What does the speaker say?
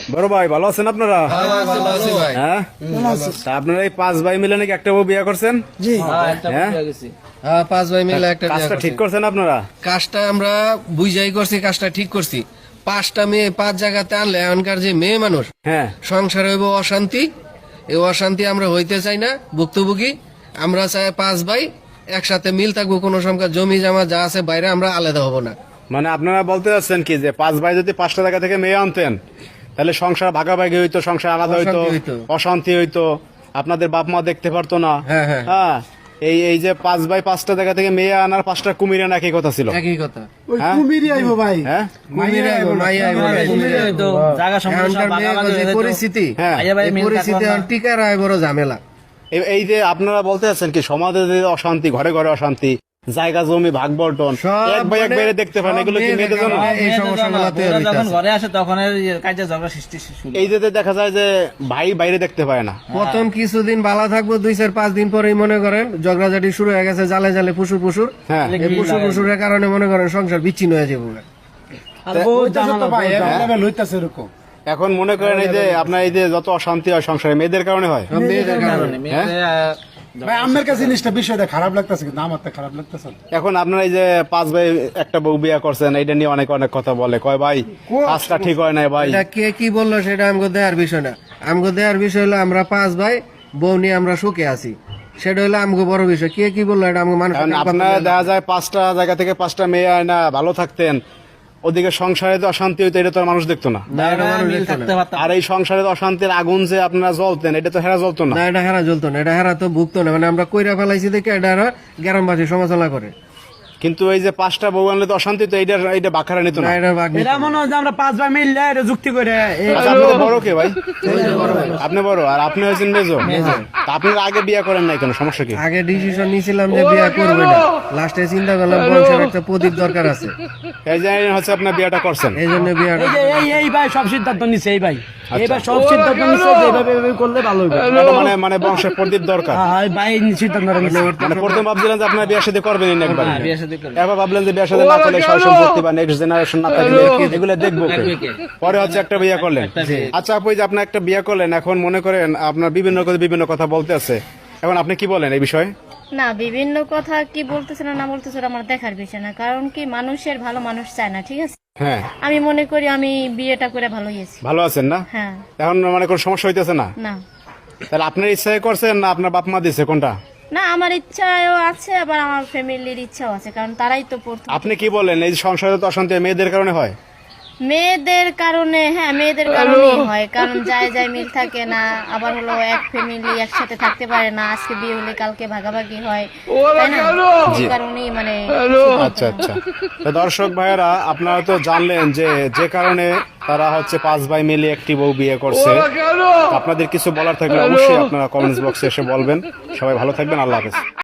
বড় ভাই ভালো আছেন আপনারা? হ্যাঁ, তা আপনারা এই 5 ভাই মিলে নাকি একটা বউ বিয়ে করছেন? হ্যাঁ, হ্যাঁ 5 ভাই মিলে একটা বিয়ে কাজটা করছি। ঠিক করছেন আপনারা? কাজটা আমরা বুঝাই করছি, কাজটা ঠিক করছি। 5টা মেয়ে 5 জায়গাতে আনলে এখনকার যে মেয়ে মানুষ হ্যাঁ, সংসার হইব অশান্তি, এই অশান্তি আমরা হইতে চাই না, ভুক্তভোগী। আমরা চাই 5 ভাই একসাথে মিল থাকবো, কোনো সংখ্যা জমি জমা যা আছে বাইরে আমরা আলাদা হব না। মানে আপনারা বলতে চাচ্ছেন কি যে 5 ভাই যদি 5টা জায়গা থেকে মেয়ে আনতেন তাহলে সংসার ভাগাভাগি হইতো, সংসার আলাদা হইতো, অশান্তি হইতো। অশান্তি হইতো, আপনাদের বাপ মা দেখতে পারতো না। হ্যাঁ, হ্যাঁ। হ্যাঁ, এই এই যে 5 ভাই 5টা জায়গা থেকে মেয়ে আনার 5টা কুমির আনা একই কথা ছিল। একই কথা। হ্যাঁ? কুমিরই আইব ভাই, হ্যাঁ, কুমির আইবো, মাই আইবো না। এখনকার মেয়ের যে পরিস্থিতি, হ্যাঁ। এই পরিস্থিতি এখন টিকার আয় বড় ঝামেলা। এই যে আপনারা বলতে চাচ্ছেন কি সমাজে যে অশান্তি, ঘরে ঘরে অশান্তি, জায়গা জমি ভাগ বন্টন, সব এক ভাই এক মানে বাইরে দেখতে পান, এগুলো কি সব মেয়েদের জন্য? মেয়েদের এই সমস্যাগুলো তৈরি যখন হইতাছে। ঘরে আসে তখন কাজে ঝগড়া সৃষ্টি শুরু। এই যে দেখা যায় যে ভাই বাইরে দেখতে পায় না। প্রথম কিছুদিন ভালো থাকবো, 2-4-5 দিন পরেই মনে করেন ঝগড়াঝাটি শুরু হয়ে গেছে, জালে জালে ফুসুর ফুসুর। হ্যাঁ, এই ফুসুর ফুসুরের কারণে মনে করেন সংসার বিচ্ছিন্ন হয়ে যাবো। আর বউ জামালা ভাই লেভেল হইতাছে এরকম। এখন মনে করেন এই যে আপনার এই যে যত অশান্তি হয় সংসারে মেয়েদের কারণে হয়। মেয়েদের কারণে ভাই আমার কাছে জিনিসটা বিষয়টা খারাপ লাগতেছে, কিন্তু আমার তো খারাপ লাগতেছে না। এখন আপনারা এই যে 5 ভাই একটা বউ বিয়া করছেন, এইটা নিয়ে অনেক অনেক কথা বলে, কয় ভাই কাজটা ঠিক হয় নাই ভাই। এটা কে কি বললো সেটা আমগো দেয়ার বিষয় না। আমগো দেয়ার বিষয় হলো আমরা 5 ভাই বউ নিয়ে আমরা সুখে আছি, সেটা হলো আমগো বড় বিষয়। কে কি বললো এটা আমগো মানুষ। কারণ আপনারা দেখা যায় 5টা জায়গা থেকে 5টা মেয়ে আয় না, ভালো থাকতেন, ওদিকে সংসারে তো অশান্তি হইতো, এটা তো আর মানুষ দেখতো না। মিল থাকতে পারতাম। আর এই সংসারে অশান্তির আগুন যে আপনারা জ্বলতেন, এটা তো হেরা জ্বলতো না। না, এটা হেরা জ্বলতো না, এটা হেরা তো ভুগতো না। মানে আমরা কইরা ফেলাইছি দেখে এটা গ্রামবাসী সমালোচনা করে। কিন্তু এই যে 5টা বউ আনলে তো অশান্তি, তো এইটা বাখারা নিত না, না। এটা বাগ নিত এটা না। মনে হয় যে আমরা 5 ভাই মিললে এটা যুক্তি করে আচ্ছা, আপনি তো বড় কে ভাই? আপনি বড়, আর আপনি হয়েছেন মেজো। তা আপনারা আগে বিয়ে করেন নাই কেন, সমস্যা কি? আগে ডিসিশন নিয়েছিলাম যে বিয়ে করবে না, লাস্টে চিন্তা করলাম বংশের একটা প্রদীপ দরকার আছে, এই যে হচ্ছে আপনার বিয়েটা করছেন। এই জন্য বিয়েটা। এই যে এই ভাই সব সিদ্ধান্ত নিছে, এই ভাই সব সিদ্ধান্ত নিছে যে এইভাবে করলে ভালো হবে। মানে মানে বংশের প্রদীপ দরকার। হ্যাঁ ভাই সিদ্ধান্ত নিছে। মানে প্রথম ভাবছিলেন যে আপনার বিয়ে শাদী করবেন না একবার, হ্যাঁ, বিয়ে শাদী করবে। এবার ভাবলেন যে বিয়ে শাদী না করলে সয় সম্পত্তি বা নেক্সট জেনারেশন না থাকলে এগুলো দেখবো কে? দেখবে কে? পরে হচ্ছে একটা বিয়ে করলেন। আচ্ছা আপু, এই যে আপনি একটা বিয়ে করলেন, এখন মনে করেন আপনার বিভিন্ন কথা বলতে আছে, এখন আপনি কি বলেন এই বিষয়ে? না, বিভিন্ন কথা কি বলতেছে না না বলতেছে ওটা আমার দেখার বিষয় না। কারণ কি মানুষের ভালো মানুষ চায় না, ঠিক আছে? হ্যাঁ, আমি মনে করি আমি বিয়েটা করে ভালো হয়েছি। ভালো আছেন না? হ্যাঁ। এখন মানে কোনো সমস্যা হইতেছে না? না তাহলে আপনার ইচ্ছায় করছেন না আপনার বাপ মা দিছে, কোনটা? না, আমার ইচ্ছাও আছে, আবার আমার ফ্যামিলির ইচ্ছাও আছে, কারণ তারাই তো প্রথম। আপনি কি বলেন এই যে সংসারে তো অশান্তি মেয়েদের কারণে হয়? মেয়েদের কারণে, হ্যাঁ মেয়েদের কারণেই হয়। কারণ যায় মিল থাকে না, আবার হলো এক ফ্যামিলি একসাথে থাকতে পারে না, আজকে বিয়ে হলে কালকে ভাগাভাগি হয়, তাই না? এই কারণেই মানে। আচ্ছা আচ্ছা, তো দর্শক ভাইয়েরা আপনারা তো জানলেন যে যে কারণে তারা হচ্ছে 5 ভাই মিলে একটি বউ বিয়ে করছে। আপনাদের কিছু বলার থাকলে অবশ্যই আপনারা কমেন্টস বক্সে এসে বলবেন। সবাই ভালো থাকবেন, আল্লাহ হাফেজ।